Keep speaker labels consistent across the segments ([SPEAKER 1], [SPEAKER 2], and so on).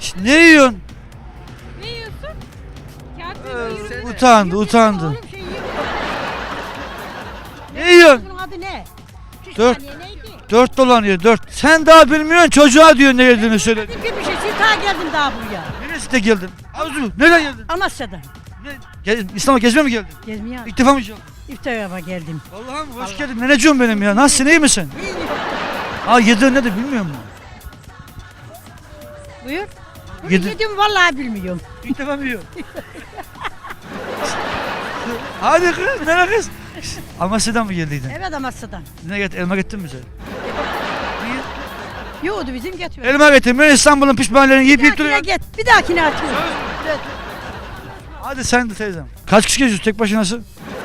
[SPEAKER 1] Ne yiyorsun?
[SPEAKER 2] Ne yiyorsun? Kağıt yiyorum.
[SPEAKER 1] Utandı,
[SPEAKER 2] Yok,
[SPEAKER 1] utandı.
[SPEAKER 2] oğlum şey yiyorum.
[SPEAKER 1] Ne yiyorsun?
[SPEAKER 2] Bunun adı ne? Şu
[SPEAKER 1] 4
[SPEAKER 2] saniye neydi?
[SPEAKER 1] 4 dolanıyor 4. Sen daha bilmiyorsun çocuğa diyor ne yediğini söyle.
[SPEAKER 2] Dedim ki bir şey. Siz daha geldim daha buraya.
[SPEAKER 1] Neresi de geldin? Arzu nereden geldin?
[SPEAKER 2] Amasya'dan.
[SPEAKER 1] İstanbul'a gezmeye mi geldin?
[SPEAKER 2] Gezmeye
[SPEAKER 1] İlk defa mı geldin?
[SPEAKER 2] iftara geldim.
[SPEAKER 1] Allah'ım hoş geldin. Neneciğim benim ya. Nasılsın iyi misin? Aa yediğin ne de bilmiyor musun?
[SPEAKER 2] Buyur. Bunu
[SPEAKER 1] Yedi-
[SPEAKER 2] yedim vallahi bilmiyorum.
[SPEAKER 1] İlk defa mı yiyorsun? Hadi kız, nereye kız? Amasya'dan mı geldiydin?
[SPEAKER 2] Evet Amasya'dan.
[SPEAKER 1] Ne get elma getirdin mi sen?
[SPEAKER 2] Yoğurdu bizim getiriyor.
[SPEAKER 1] Elma getir. Ben İstanbul'un pişmanlarını yiyip
[SPEAKER 2] Bir
[SPEAKER 1] yiyip
[SPEAKER 2] dahakine
[SPEAKER 1] duruyorum.
[SPEAKER 2] get. Bir dahakine atıyorum. Evet.
[SPEAKER 1] Hadi sen de teyzem. Kaç kişi geziyorsun tek başınasın?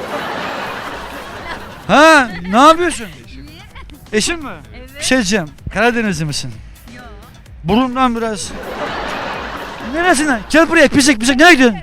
[SPEAKER 1] Ha, ne yapıyorsun? Eşin mi? Evet. Bir şey diyeceğim. Karadenizli misin? Yok. Burundan biraz. Neresinden? Gel buraya pisik pisik. Nereye gidiyorsun?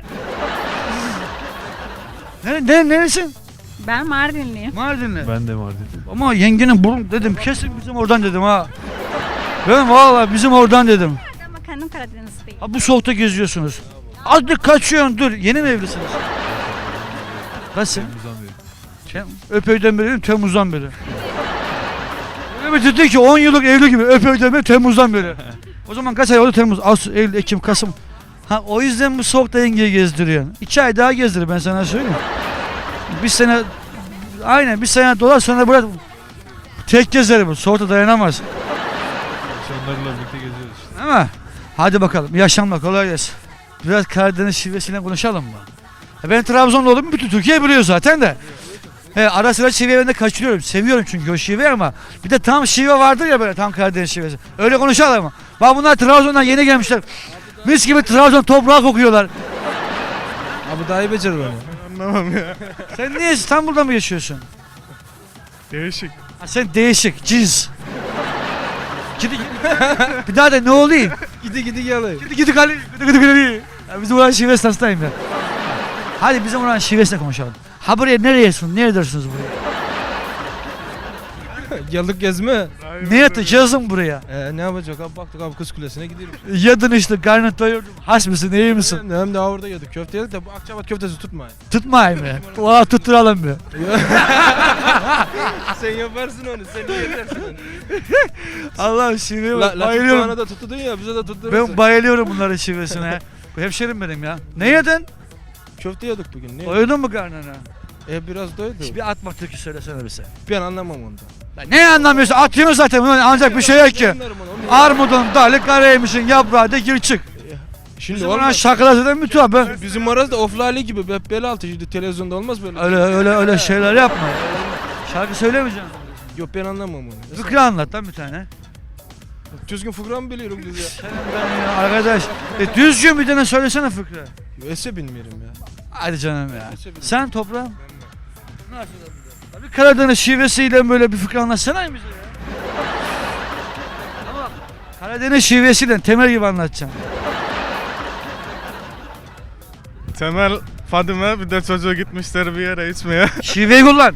[SPEAKER 1] Neresin?
[SPEAKER 3] Ben Mardinliyim.
[SPEAKER 1] Mardinli.
[SPEAKER 4] Ben de Mardin'im.
[SPEAKER 1] Ama yengenin burun dedim. Kesin bizim oradan dedim ha. Ben vallahi bizim oradan dedim.
[SPEAKER 3] Ama kendim Karadenizliyim.
[SPEAKER 1] Ha bu soğukta geziyorsunuz. Azıcık kaçıyorsun dur. Yeni mi evlisiniz? Nasıl? Öpeyden beri, Temmuz'dan beri. Öyle bir dedi ki 10 yıllık evli gibi öpeyden beri, Temmuz'dan beri. O zaman kaç ay oldu? Temmuz, Ağustos, Eylül, Ekim, Kasım. Ha o yüzden bu soğukta yengeyi gezdiriyorsun. 2 ay daha gezdir ben sana söyleyeyim. Bir sene, aynen bir sene dolar sonra bırak. Tek gezer bu. Soğukta dayanamaz.
[SPEAKER 4] Onlarla birlikte geziyoruz işte.
[SPEAKER 1] Değil mi? Hadi bakalım. İyi akşamlar. Kolay gelsin. Biraz Karadeniz şivesiyle konuşalım mı? Ben Trabzonlu oldum. Bütün Türkiye biliyor zaten de. Ara sıra şiveyi ben de kaçırıyorum. Seviyorum çünkü o şiveyi ama bir de tam şive vardır ya böyle tam Karadeniz şivesi. Öyle konuşalım mı? Bak bunlar Trabzon'dan yeni gelmişler. Mis gibi Trabzon toprağı kokuyorlar.
[SPEAKER 5] Abi daha iyi becerir onu.
[SPEAKER 4] Anlamam ya.
[SPEAKER 1] Sen niye İstanbul'da mı yaşıyorsun?
[SPEAKER 4] Değişik.
[SPEAKER 1] Ha, sen değişik, cins. Gidi, bir daha da ne olayım?
[SPEAKER 5] Gidi yalı.
[SPEAKER 1] Gidi kali, gidi. Ya bizim oran şivesi hastayım ya. Hadi bizim oran şivesine konuşalım. Ha buraya nereyesin? Neredersiniz buraya?
[SPEAKER 5] Geldik gezme.
[SPEAKER 1] Ne yatacağız buraya?
[SPEAKER 5] Ne yapacak abi baktık abi Kız Kulesi'ne gidiyoruz.
[SPEAKER 1] Yadın işte karnın doyurdum. Has mısın iyi misin?
[SPEAKER 5] Hem de orada yedik köfte yedik de bu Akçabat köftesi tutmayın.
[SPEAKER 1] Tutmayayım mı? Valla tutturalım mı?
[SPEAKER 5] Sen yaparsın onu sen yetersin onu.
[SPEAKER 1] Allah'ım şiveye bak
[SPEAKER 5] Bana
[SPEAKER 1] bayılıyorum.
[SPEAKER 5] da tuttun ya bize de tutturursun.
[SPEAKER 1] Ben bayılıyorum bunların şivesine. Bu hemşerim benim ya. Ne yedin?
[SPEAKER 5] Köfte yedik bugün. Ne?
[SPEAKER 1] Doydun mu karnına?
[SPEAKER 5] Biraz doydu.
[SPEAKER 1] Bir atma türkü söylesene bize.
[SPEAKER 5] Ben anlamam ondan.
[SPEAKER 1] Ya ne anlamıyorsun? Atıyorsun zaten. Bunun ancak bir şey yok ki. Armudun dalı karaymışın yaprağı da gir çık.
[SPEAKER 5] Şimdi
[SPEAKER 1] Bizim oran
[SPEAKER 5] olmaz.
[SPEAKER 1] şarkılar zaten müthiş ben.
[SPEAKER 5] Bizim arasında oflali gibi hep bel altı şimdi televizyonda olmaz böyle.
[SPEAKER 1] Öyle şeyler yapma. Şarkı söylemeyeceksin.
[SPEAKER 5] Yok ben anlamam onu.
[SPEAKER 1] Fıkra anlat lan bir tane.
[SPEAKER 5] Düzgün fıkra mı biliyorum biz ya?
[SPEAKER 1] Senin ben ya arkadaş. Düzgün bir tane söylesene fıkra.
[SPEAKER 5] Ese bilmiyorum ya.
[SPEAKER 1] Hadi canım ya. Sen toprağım. Bir Karadeniz şivesiyle böyle bir fıkra anlatsana bize ya. Ama Karadeniz şivesiyle temel gibi anlatacağım.
[SPEAKER 4] Temel, Fadime bir de çocuğu gitmişler bir yere içmeye.
[SPEAKER 1] Şiveyi kullan.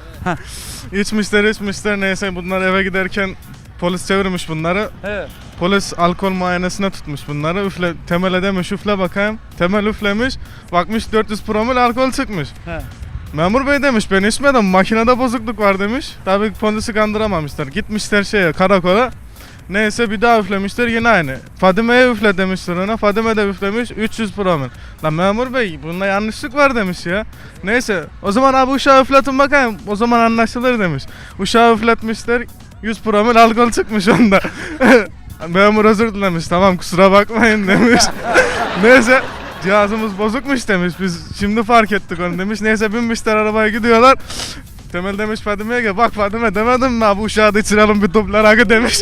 [SPEAKER 4] içmişler neyse bunlar eve giderken polis çevirmiş bunları.
[SPEAKER 1] Evet.
[SPEAKER 4] Polis alkol muayenesine tutmuş bunları. Temel'e demiş üfle bakayım. Temel üflemiş. Bakmış 400 promil alkol çıkmış.
[SPEAKER 1] He.
[SPEAKER 4] Memur bey demiş ben içmedim makinede bozukluk var demiş. Tabii polisi kandıramamışlar. Gitmişler karakola. Neyse bir daha üflemişler yine aynı. Fadime'ye üfle demişler ona. Fadime de üflemiş 300 promil. Lan memur bey bunda yanlışlık var demiş ya. Neyse o zaman abi uşağı üfletin bakayım. O zaman anlaşılır demiş. Uşağı üfletmişler 100 promil alkol çıkmış onda. Memur özür dilemiş tamam kusura bakmayın demiş. Neyse cihazımız bozukmuş demiş biz şimdi fark ettik onu demiş. Neyse binmişler arabaya gidiyorlar. Temel demiş Fadime'ye gel bak Fadime demedim mi abi uşağı da içirelim bir toplar akı demiş.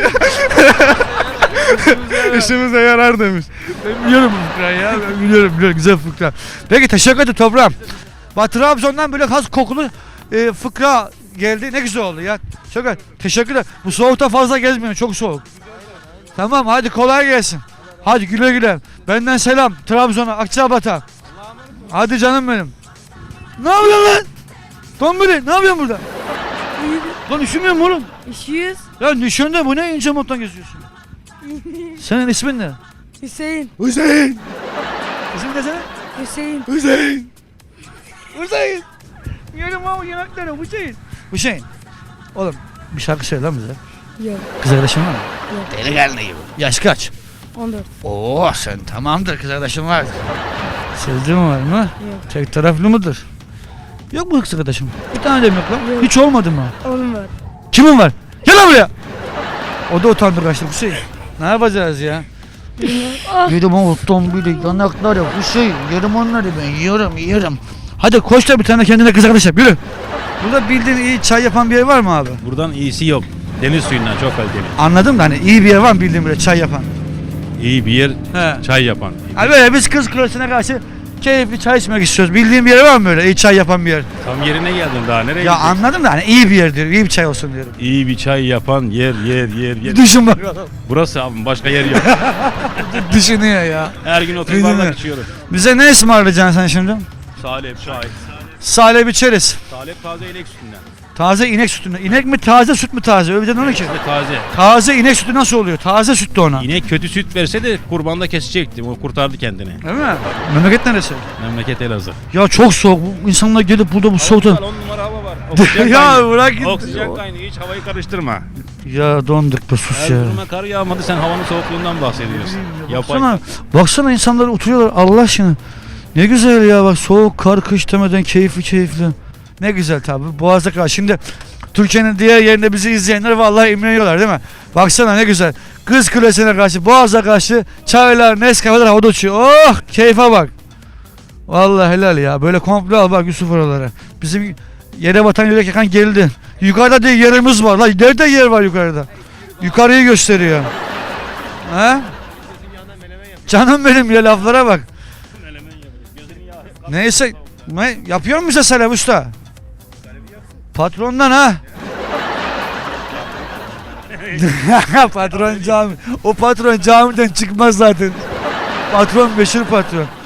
[SPEAKER 4] İşimize yarar demiş.
[SPEAKER 1] Ben biliyorum bu fıkrayı ya. Ben biliyorum güzel fıkra. Peki teşekkür ederim toprağım. Bak Trabzon'dan böyle has kokulu fıkra geldi. Ne güzel oldu ya. Çok teşekkürler. Bu soğukta fazla gezmiyorum. Çok soğuk. Tamam hadi kolay gelsin. Hadi güle güle. Benden selam Trabzon'a, Akçabat'a. Hadi canım benim. Ne yapıyorsun lan? Tombili ne yapıyorsun burada? Lan üşümüyor musun oğlum?
[SPEAKER 2] İşiyoruz.
[SPEAKER 1] Ya nişanda bu ne ince monttan geziyorsun? Senin ismin ne?
[SPEAKER 2] Hüseyin.
[SPEAKER 1] Hüseyin. İsim desene.
[SPEAKER 2] Hüseyin.
[SPEAKER 1] Hüseyin. Hüseyin. Yerim ama yanakları Hüseyin. Hüseyin. Oğlum bir şarkı söyle lan bize.
[SPEAKER 2] Yok.
[SPEAKER 1] Kız arkadaşın var mı?
[SPEAKER 2] Yok.
[SPEAKER 1] Delikanlı gibi. Yaş kaç?
[SPEAKER 2] 14.
[SPEAKER 1] Oo sen tamamdır, kız arkadaşın var. Sevdiğin var mı?
[SPEAKER 2] Yok.
[SPEAKER 1] Tek taraflı mıdır? Yok mu kız arkadaşım? Bir tane de mi yok lan?
[SPEAKER 2] Yok.
[SPEAKER 1] Hiç olmadı mı?
[SPEAKER 2] Oğlum var.
[SPEAKER 1] Kimin var? Gel lan buraya. O da utandı kaçtı Hüseyin. Ne yapacağız ya? Yerim o bile yanakları Hüseyin. Yerim onları ben yiyorum. Hadi koş da bir tane kendine kız arkadaş yap, yürü. Burada bildiğin iyi çay yapan bir yer var mı abi?
[SPEAKER 6] Buradan iyisi yok. Deniz suyundan çok kaliteli.
[SPEAKER 1] Anladım da hani iyi bir yer var mı bildiğin böyle çay yapan?
[SPEAKER 6] İyi bir yer,
[SPEAKER 1] He.
[SPEAKER 6] çay yapan.
[SPEAKER 1] Abi böyle biz kız kulesine karşı keyifli çay içmek istiyoruz. Bildiğin bir yer var mı böyle iyi çay yapan bir yer?
[SPEAKER 6] Tam yerine geldin daha nereye
[SPEAKER 1] Ya
[SPEAKER 6] gideceksin?
[SPEAKER 1] anladım da hani iyi bir yer diyorum, iyi bir çay olsun diyorum.
[SPEAKER 6] İyi bir çay yapan yer.
[SPEAKER 1] Düşün bakalım.
[SPEAKER 6] Burası abi, başka yer yok.
[SPEAKER 1] Düşünüyor ya.
[SPEAKER 6] Her gün oturup
[SPEAKER 1] Değil mi?
[SPEAKER 6] bardak içiyorum.
[SPEAKER 1] Bize ne ısmarlayacaksın sen şimdi?
[SPEAKER 6] Salep, çay.
[SPEAKER 1] Salep içeriz.
[SPEAKER 6] Salep taze inek sütünden.
[SPEAKER 1] Taze inek sütünden. İnek mi taze, süt mü taze? Öyle dedin onu ki.
[SPEAKER 6] Taze.
[SPEAKER 1] Taze inek sütü nasıl oluyor? Taze süt de ona.
[SPEAKER 6] İnek kötü süt verse de kurbanda kesecektim. O kurtardı kendini.
[SPEAKER 1] Değil mi? Memleket neresi?
[SPEAKER 6] Memleket Elazığ.
[SPEAKER 1] Ya çok soğuk. Bu insanlar gelip burada bu soğukta.
[SPEAKER 6] 10 numara hava var. Oksijen
[SPEAKER 1] Ya
[SPEAKER 6] kaynıyor.
[SPEAKER 1] bırak git.
[SPEAKER 6] Oksijen kaynıyor. Hiç havayı karıştırma.
[SPEAKER 1] Ya donduk be sus ya.
[SPEAKER 6] Erzurum'a kar yağmadı, sen havanın soğukluğundan bahsediyorsun. Yapay.
[SPEAKER 1] Baksana insanlar oturuyorlar Allah aşkına. Ne güzel ya bak, soğuk kar kış demeden keyifli. Ne güzel tabi Boğaz'a karşı. Şimdi Türkiye'nin diğer yerinde bizi izleyenler vallahi imreniyorlar değil mi? Baksana ne güzel. Kız Kulesi'ne karşı, Boğaz'a karşı çaylar, Nescafe'ler havada uçuyor. Oh keyfe bak. Vallahi helal ya. Böyle komple al bak Yusuf oralara. Bizim yere batan yürek yakan geldi. Yukarıda diye yerimiz var. Lan nerede yer var yukarıda? Yukarıyı gösteriyor. Ha? Canım benim ya, laflara bak. Neyse. Ne yapıyor musun bize Salep Usta? Patrondan ha. Patron cami. O patron camiden çıkmaz zaten. Patron meşhur patron.